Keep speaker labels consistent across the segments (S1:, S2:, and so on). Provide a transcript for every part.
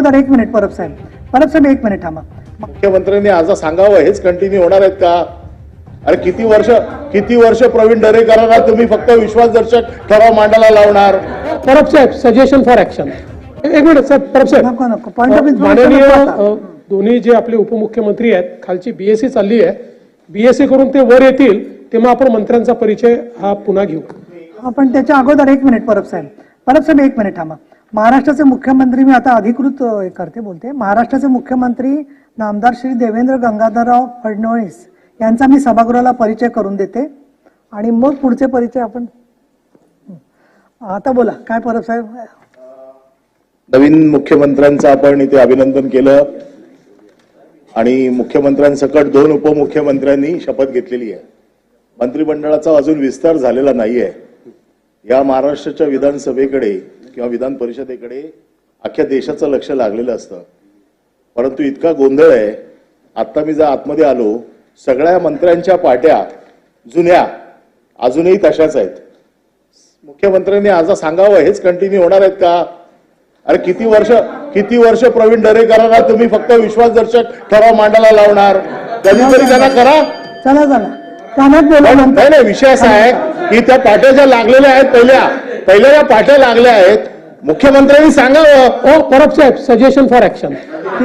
S1: अगोदर एक मिनिट परब साहेब एक मिनिट थांबा.
S2: मुख्यमंत्र्यांनी आज सांगावं हेच कंटिन्यू होणार आहेत का? अरे किती वर्ष प्रवीण दरेकरांना तुम्ही फक्त विश्वासदर्शक ठराव मांडायला लावणार?
S3: परब साहेब, सजेशन फॉर ऍक्शन. एक मिनिट साहेब, परब साहेब.
S1: नको पॉइंट ऑफ
S3: माननीय दोन्ही जे आपले उपमुख्यमंत्री आहेत, खालची बीएससी चालली आहे, बीएससी करून ते वर येतील तेव्हा आपण मंत्र्यांचा परिचय हा पुन्हा घेऊ.
S1: आपण त्याच्या अगोदर एक मिनिट परब साहेब एक मिनिट थांबा. महाराष्ट्राचे मुख्यमंत्री, मी आता अधिकृत बोलते, महाराष्ट्राचे मुख्यमंत्री नामदार श्री देवेंद्र गंगाधरराव फडणवीस यांचा मी सभागृहाला परिचय करून देते आणि मग पुढचे परिचय आपण. आता बोला काय परब साहेब.
S2: नवीन मुख्यमंत्र्यांचं आपण इथे अभिनंदन केलं आणि मुख्यमंत्र्यांसकट 2 उपमुख्यमंत्र्यांनी शपथ घेतलेली आहे. मंत्रिमंडळाचा अजून विस्तार झालेला नाहीये. या महाराष्ट्राच्या विधानसभेकडे किंवा विधान परिषदेकडे अख्ख्या देशाचं लक्ष लागलेलं असतं, परंतु इतका गोंधळ आहे. आता मी जर आतमध्ये आलो, सगळ्या मंत्र्यांच्या पाट्या जुन्या अजूनही तशाच आहेत. मुख्यमंत्र्यांनी आज सांगावं हेच कंटिन्यू होणार आहेत का? अरे किती वर्ष प्रवीण दरेकरांना तुम्ही फक्त विश्वासदर्शक ठराव मांडायला लावणार? कधीतरी त्यांना करा.
S1: चला कानात बोला.
S2: नाही, विषय असा आहे की त्या पाट्या ज्या लागलेल्या आहेत, पहिल्या ज्या पाट्या लागल्या आहेत, मुख्यमंत्र्यांनी सांगावं.
S3: परब साहेब, सजेशन फॉर ऍक्शन.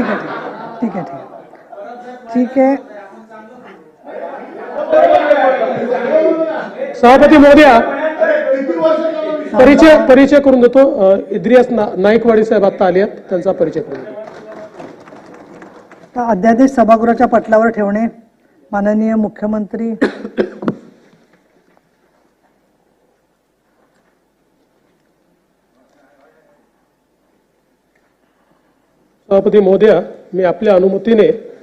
S1: ठीक आहे.
S3: सभापती महोदया, परिचय करून देतो. इद्रियास नाईकवाडी साहेब आता आले आहेत, त्यांचा परिचय करून देतो.
S1: अध्यादेश सभागृहाच्या पटलावर ठेवणे. माननीय मुख्यमंत्री
S3: सभापती महोदया, मी आपल्या अनुमतीने